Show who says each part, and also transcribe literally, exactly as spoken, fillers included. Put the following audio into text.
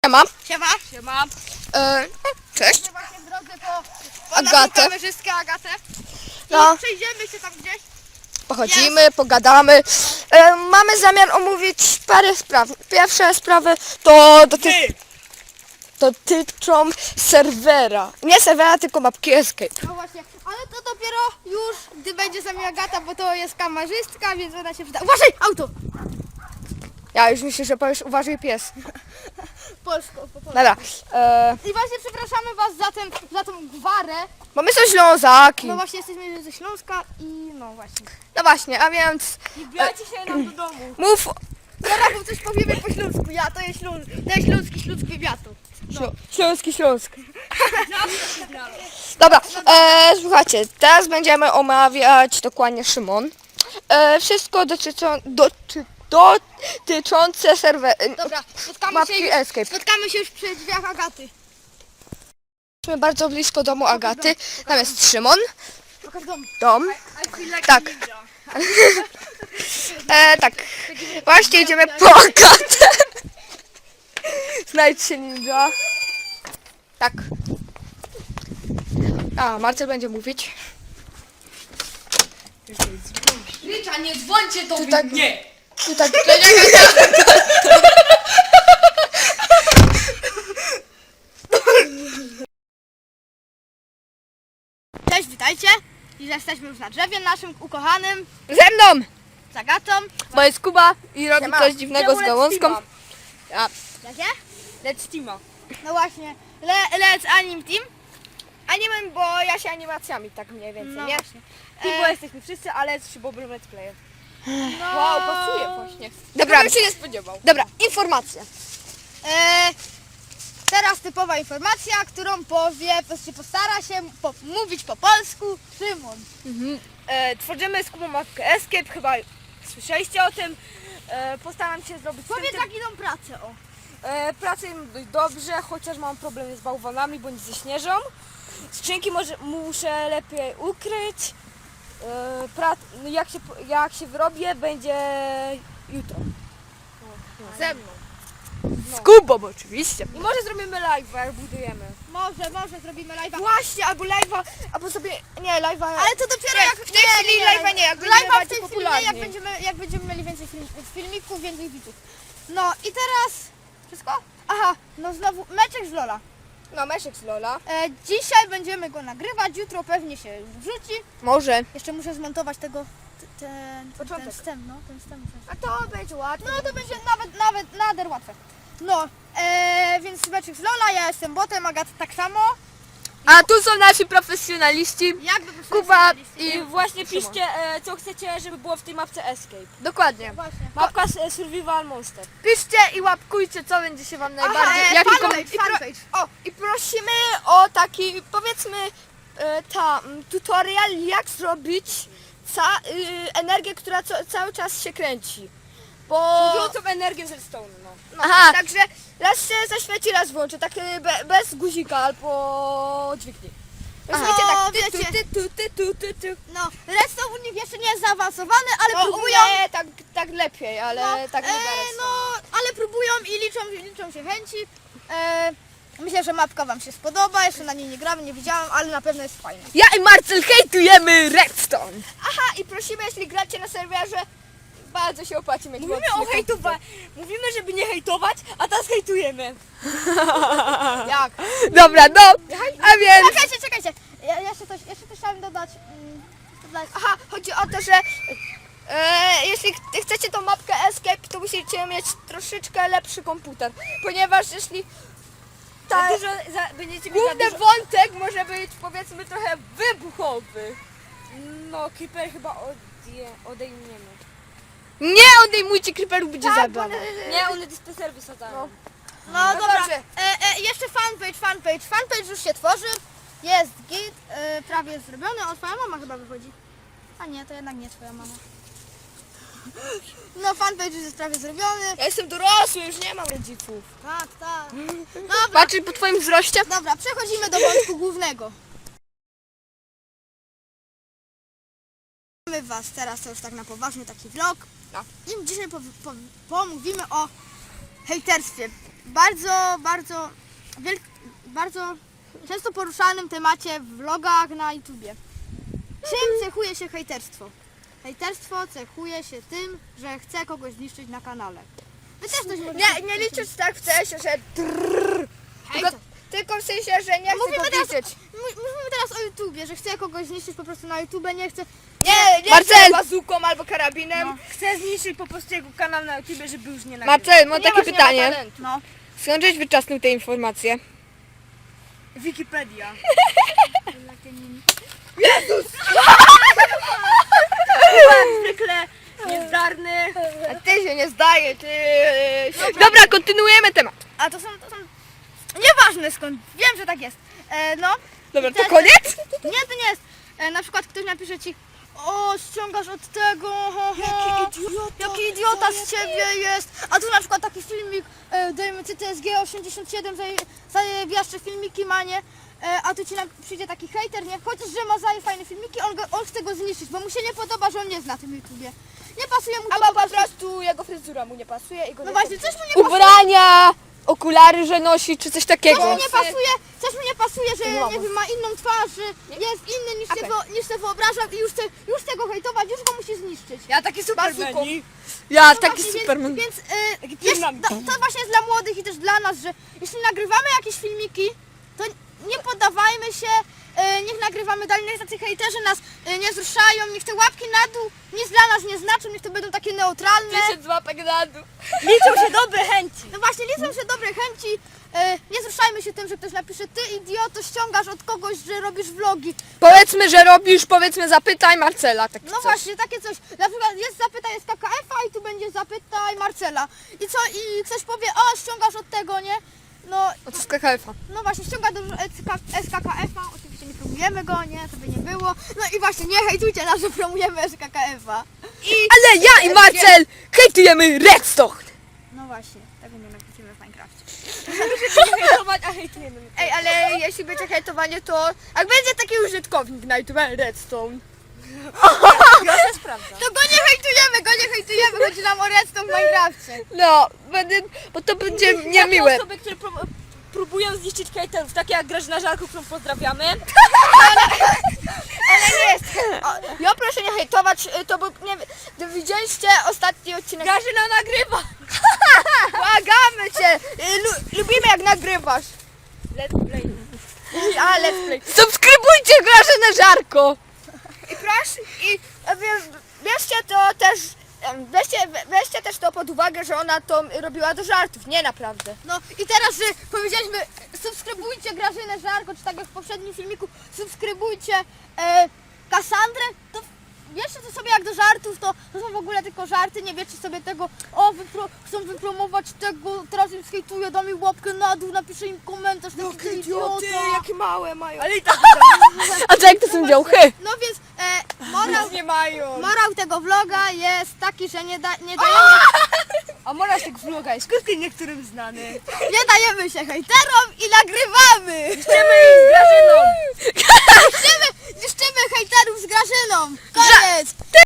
Speaker 1: Siema.
Speaker 2: Siema.
Speaker 3: Siema.
Speaker 1: E, cześć.
Speaker 2: My właśnie w drodze po, po
Speaker 1: Agatę.
Speaker 2: naszą kamerzystkę Agatę. I
Speaker 1: No.
Speaker 2: przejdziemy się tam gdzieś.
Speaker 1: Pochodzimy, pogadamy. E, mamy zamiar omówić parę spraw. Pierwsza sprawy to doty dotyczą serwera. Nie serwera, tylko mapki Escape.
Speaker 2: No właśnie, ale to dopiero już, gdy będzie z nami Agata, bo to jest kamerzystka, więc ona się przyda. Uważaj, auto!
Speaker 1: Ja już myślę, że powiesz uważaj pies.
Speaker 2: Polsko, po polsku.
Speaker 1: Dobra. E,
Speaker 2: I właśnie przepraszamy was za, ten, za tą gwarę.
Speaker 1: bo my są Ślązaki.
Speaker 2: No właśnie jesteśmy ze Śląska i no właśnie.
Speaker 1: No właśnie, a więc
Speaker 3: Nie wbijajcie się nam do domu.
Speaker 1: mów.
Speaker 2: Zaraz wam coś powiemy po śląsku. Ja to jest śląsk, to jest śląski, śląski wywiadu.
Speaker 1: Ślą- Śląski Śląsk. Dobra, e, słuchajcie, teraz będziemy omawiać dokładnie Szymon. E, wszystko dotyczą, doty, dotyczące serwera.
Speaker 2: Dobra, spotkamy się,
Speaker 1: Mapki
Speaker 2: już,
Speaker 1: Escape.
Speaker 2: spotkamy się już przy drzwiach Agaty.
Speaker 1: Jesteśmy bardzo blisko domu Agaty. Tam jest Szymon,
Speaker 2: Pokaż dom.
Speaker 1: dom.
Speaker 3: I feel like
Speaker 1: Tak.
Speaker 3: ninja.
Speaker 1: E, tak, właśnie idziemy po Agatę. Znajdź się ninja. Tak. A, Marcel będzie mówić.
Speaker 3: Rycza, nie dzwońcie do
Speaker 1: Ty tak,
Speaker 3: mnie.
Speaker 1: ty tak,
Speaker 2: Cześć, witajcie. I jesteśmy już na drzewie naszym ukochanym
Speaker 1: ze mną,
Speaker 2: z Agatą.
Speaker 1: bo jest Kuba i robi
Speaker 2: Siema.
Speaker 1: coś dziwnego z gałązką. Ja,
Speaker 2: Jakie?
Speaker 3: Let's teama.
Speaker 2: No właśnie, Le, Let's Anim Team.
Speaker 1: anime, bo ja się animacjami tak mniej więcej,
Speaker 2: No
Speaker 1: nie?
Speaker 2: właśnie.
Speaker 3: Team,
Speaker 2: E,
Speaker 3: bo jesteśmy wszyscy, ale trzy bobry let's player.
Speaker 2: no,
Speaker 3: Wow, pasuje właśnie.
Speaker 1: Dobra,
Speaker 3: Bym się nie spodziewał.
Speaker 1: dobra, informacja.
Speaker 2: E, teraz typowa informacja, którą powie, się postara się po, mówić po polsku Szymon.
Speaker 3: E, tworzymy z Kubą mapkę Escape, chyba słyszeliście o tym. E, postaram się zrobić
Speaker 2: Powiedz
Speaker 3: tym,
Speaker 2: jak idą pracę, o.
Speaker 3: e, pracę im dość dobrze, chociaż mam problemy z bałwanami bądź ze śnieżą. Skrzynki może, muszę lepiej ukryć. E, pra, no jak, się, jak się wyrobię, będzie jutro.
Speaker 1: Ze mną.
Speaker 3: No.
Speaker 1: Z Kubą oczywiście.
Speaker 3: I może zrobimy live, jak budujemy.
Speaker 2: Może, może zrobimy live'a.
Speaker 1: Właśnie, albo live'a, albo sobie, nie, live'a.
Speaker 2: Ale to dopiero
Speaker 1: Nie,
Speaker 2: jak...
Speaker 1: w tej chwili live'a nie, jak będziemy
Speaker 2: live'a w
Speaker 1: bardziej
Speaker 2: tej chwili nie,
Speaker 1: popularni.
Speaker 2: jak będziemy, jak będziemy mieli więcej film, filmików, więcej widzów. No i teraz... Wszystko? Aha, no znowu meczek z Lola.
Speaker 1: No, Meszek z Lola.
Speaker 2: E, dzisiaj będziemy go nagrywać, jutro pewnie się już wrzuci.
Speaker 1: Może.
Speaker 2: Jeszcze muszę zmontować tego... t- Ten, ten,
Speaker 3: Początek.
Speaker 2: ten wstęp, no, ten wstęp muszę.
Speaker 1: A to będzie łatwe.
Speaker 2: No to będzie nawet, nawet nader łatwe. No, e, więc meczek z Lola, ja jestem botem, Agat tak samo.
Speaker 1: A tu są nasi profesjonaliści.
Speaker 2: Jakby
Speaker 1: Kuba
Speaker 3: I
Speaker 1: i
Speaker 3: właśnie piszcie, e, co chcecie, żeby było w tej mapce Escape.
Speaker 1: Dokładnie.
Speaker 2: Właśnie.
Speaker 3: Mapka s- Survival Monster.
Speaker 1: Piszcie i łapkujcie, co będzie się wam najbardziej...
Speaker 2: e,
Speaker 1: jaki
Speaker 2: fanpage,
Speaker 1: kom- i, pro,
Speaker 2: fanpage.
Speaker 1: o, I prosimy o taki, powiedzmy, e, ta, m, tutorial, jak zrobić ca, y, energię, która co, cały czas się kręci. Bo...
Speaker 3: Wrzucą energię ze stone, no.
Speaker 1: No, aha, także raz się zaświeci, raz włączy, tak y, be, bez guzika albo dźwigni. Rozumiecie,
Speaker 2: No,
Speaker 1: tak ty,
Speaker 2: wiecie.
Speaker 1: ty, ty, ty, ty, ty, ty.
Speaker 2: No, redstone u nich jeszcze nie jest zaawansowany, ale
Speaker 1: No,
Speaker 2: próbują.
Speaker 1: u mnie tak, tak lepiej, ale
Speaker 2: No,
Speaker 1: tak nie
Speaker 2: e,
Speaker 1: zaraz.
Speaker 2: no, ale próbują i liczą, liczą się chęci. E, myślę, że mapka wam się spodoba, jeszcze na niej nie gramy, nie widziałam, ale na pewno jest fajna.
Speaker 1: Ja i Marcel hejtujemy Redstone. Aha, i prosimy, jeśli gracie na serwerze, bardzo się opłaci mieć
Speaker 3: Mówimy
Speaker 1: mocny
Speaker 3: o hejtowaniu. Mówimy, żeby nie hejtować, a teraz hejtujemy.
Speaker 1: komputer. Jak? Dobra, no, a więc...
Speaker 2: Czekajcie, czekajcie, ja, jeszcze, coś, jeszcze coś chciałem dodać. mm, dodać.
Speaker 1: Aha, chodzi o to, że e, jeśli ch- chcecie tą mapkę Escape, to musicie mieć troszeczkę lepszy komputer, ponieważ jeśli
Speaker 3: Za
Speaker 1: ta,
Speaker 3: dużo, za, będziecie mieć za
Speaker 1: główny
Speaker 3: dużo...
Speaker 1: wątek może być, powiedzmy, trochę wybuchowy.
Speaker 3: No, Creeper chyba odje, odejmiemy.
Speaker 1: Nie odejmujcie creeperów, będzie
Speaker 2: Tak,
Speaker 1: zabrane.
Speaker 3: Nie, one dyspenser wysadzają.
Speaker 1: No.
Speaker 2: No,
Speaker 1: No
Speaker 2: dobra,
Speaker 1: dobrze.
Speaker 2: e, e, jeszcze fanpage, fanpage, fanpage już się tworzy. Jest git, e, prawie zrobiony. O, twoja mama chyba wychodzi. A nie, to jednak nie twoja mama. No, fanpage już jest prawie zrobiony.
Speaker 1: Ja jestem dorosły, już nie mam rodziców.
Speaker 2: Tak, tak. Dobra,
Speaker 1: Patrz po twoim wzroście.
Speaker 2: dobra, przechodzimy do wątku głównego. Mamy was teraz, to już tak na poważny taki vlog.
Speaker 1: No.
Speaker 2: I dzisiaj po, po, pomówimy o hejterstwie. bardzo, bardzo, wielk, bardzo często poruszanym temacie w vlogach na YouTubie. Czym cechuje się hejterstwo? Hejterstwo cechuje się tym, że chce kogoś zniszczyć na kanale. Wy też coś
Speaker 1: Nie, nie liczyć tak w sensie, że drrr, tylko, tylko w sensie, że nie chcę
Speaker 2: Mówimy
Speaker 1: go
Speaker 2: teraz,
Speaker 1: widzieć.
Speaker 2: mu- mówimy teraz o YouTubie, że chce kogoś zniszczyć po prostu na YouTube, nie chce.
Speaker 1: Nie, nie
Speaker 3: Marcel!
Speaker 1: chcę bazuką albo karabinem.
Speaker 2: No.
Speaker 3: Chcę zniszczyć po prostu jego kanał na YouTube, żeby już nie nagrywał.
Speaker 1: Marcel, mam
Speaker 2: Ponieważ
Speaker 1: takie
Speaker 2: nie ma
Speaker 1: pytanie.
Speaker 2: talentu. No.
Speaker 1: Skąd żeś wyczasnął te informacje?
Speaker 3: Wikipedia. Byłem zwykle niezdarny.
Speaker 1: A ty się nie zdaje, ty... Dobra, kontynuujemy temat.
Speaker 2: A to są, to są. Nieważne skąd. Wiem, że tak jest. E, no.
Speaker 1: Dobra,
Speaker 2: Te-
Speaker 1: to koniec?
Speaker 2: Nie, to nie jest. E, na przykład ktoś napisze ci, o, ściągasz od tego, ho, ho,
Speaker 3: Jaki idiota.
Speaker 2: jaki idiota z ciebie jest. A tu na przykład taki filmik, e, dajmy C T S G osiemdziesiąt siedem, zaje- zajebiaszcze filmiki ma, nie? E, a tu ci na, przyjdzie taki hejter, nie? Chociaż, że ma zaje fajne filmiki, on, go, on chce go zniszczyć, bo mu się nie podoba, że on jest na tym YouTubie. Nie pasuje mu to
Speaker 1: Albo
Speaker 2: po
Speaker 1: po
Speaker 2: prostu.
Speaker 1: prostu jego fryzura mu nie pasuje i go
Speaker 2: No
Speaker 1: nie
Speaker 2: właśnie, coś mu nie pasuje.
Speaker 1: Ubrania, okulary, że nosi, czy coś
Speaker 2: Coś
Speaker 1: takiego.
Speaker 2: mu nie pasuje, coś mu nie pasuje, że
Speaker 1: Nie ma
Speaker 2: nie wiem, ma inną twarz, że jest inny niż,
Speaker 1: Okej.
Speaker 2: tego, niż sobie wyobrażam i już chce, już chce go hejtować, już go musi zniszczyć.
Speaker 3: Ja taki
Speaker 1: Bazuką.
Speaker 3: supermeni.
Speaker 1: Ja,
Speaker 2: No
Speaker 1: taki
Speaker 2: właśnie,
Speaker 1: superman.
Speaker 2: Więc, więc y,
Speaker 3: Taki
Speaker 2: jest,
Speaker 3: dynamit.
Speaker 2: to, to właśnie jest dla młodych i też dla nas, że jeśli nagrywamy jakieś filmiki, to nie poddawajmy się, y, niech nagrywamy dalej, niech tacy hejterzy nas y, nie wzruszają, niech te łapki na dół nic dla nas nie znaczą, niech to będą takie neutralne.
Speaker 1: Tysiąc łapek na dół.
Speaker 3: Liczą się dobre chęci.
Speaker 2: No właśnie, liczą się dobre chęci, y, nie wzruszajmy się tym, że ktoś napisze, ty idioto, ściągasz od kogoś, że robisz vlogi.
Speaker 1: Powiedzmy, że robisz, powiedzmy, zapytaj Marcela. Tak
Speaker 2: No
Speaker 1: coś.
Speaker 2: właśnie, takie coś. Na przykład jest zapytaj jest K K F-a i tu będzie zapytaj Marcela. I co? I ktoś powie, o ściągasz od tego, nie? No,
Speaker 1: O, to z K K F-a.
Speaker 2: no właśnie, ściąga do S K K F-a, oczywiście nie promujemy go, nie? To by nie było. No i właśnie, nie hejtujcie nas, że promujemy S K K F-a.
Speaker 1: Ale ja i Marcel hejtujemy Redstone.
Speaker 2: No właśnie, tego nie napisimy w Minecrafcie.
Speaker 3: Nie hejtować, a hejtujemy.
Speaker 1: Ej, ale jeśli będzie hejtowanie, to jak będzie taki użytkownik na YouTube Redstone.
Speaker 3: Ja to sprawdzam.
Speaker 2: To go nie hejtujemy, go nie hejtujemy, chodzi nam o redstone w Minecrafcie.
Speaker 1: No, będę, bo to będzie niemiłe.
Speaker 3: Takie osoby, które pró- próbują zniszczyć hejterów, takie jak Grażyna Żarko, którą pozdrawiamy.
Speaker 1: Ale nie jest. O, ja proszę nie hejtować, y, to był, nie wiem, to widzieliście ostatni odcinek.
Speaker 3: Grażyna nagrywa.
Speaker 1: Błagamy cię, y, lu, lubimy jak nagrywasz.
Speaker 3: Let's play.
Speaker 1: A, let's play. Subskrybujcie Grażynę Żarko. I proszę, i e, wie, bierzcie to też, em, weźcie, we- weźcie też to pod uwagę, że ona to robiła do żartów, nie naprawdę.
Speaker 2: No i teraz, że powiedzieliśmy, subskrybujcie Grażynę Żarko, czy tak jak w poprzednim filmiku, subskrybujcie e, Kassandrę, to wiecie to sobie jak do żartów, to, to są w ogóle tylko żarty, nie wiecie sobie tego, o wypro, chcą wypromować tego, teraz im skejtuję, dam im łapkę na dół, napiszę im komentarz, taki ty idiota.
Speaker 1: jakie małe mają.
Speaker 3: Ale i tak
Speaker 1: A co jak to są działchy?
Speaker 2: No więc e, morał,
Speaker 3: nie mają.
Speaker 2: morał tego vloga jest taki, że nie, da, nie dajemy
Speaker 3: A morał tego vloga jest krótki niektórym znany.
Speaker 2: Nie dajemy się hejterom i nagrywamy!
Speaker 3: Chcemy z Grażyną.
Speaker 2: Niszczymy, niszczymy hejterów z Grażyną! Koniec!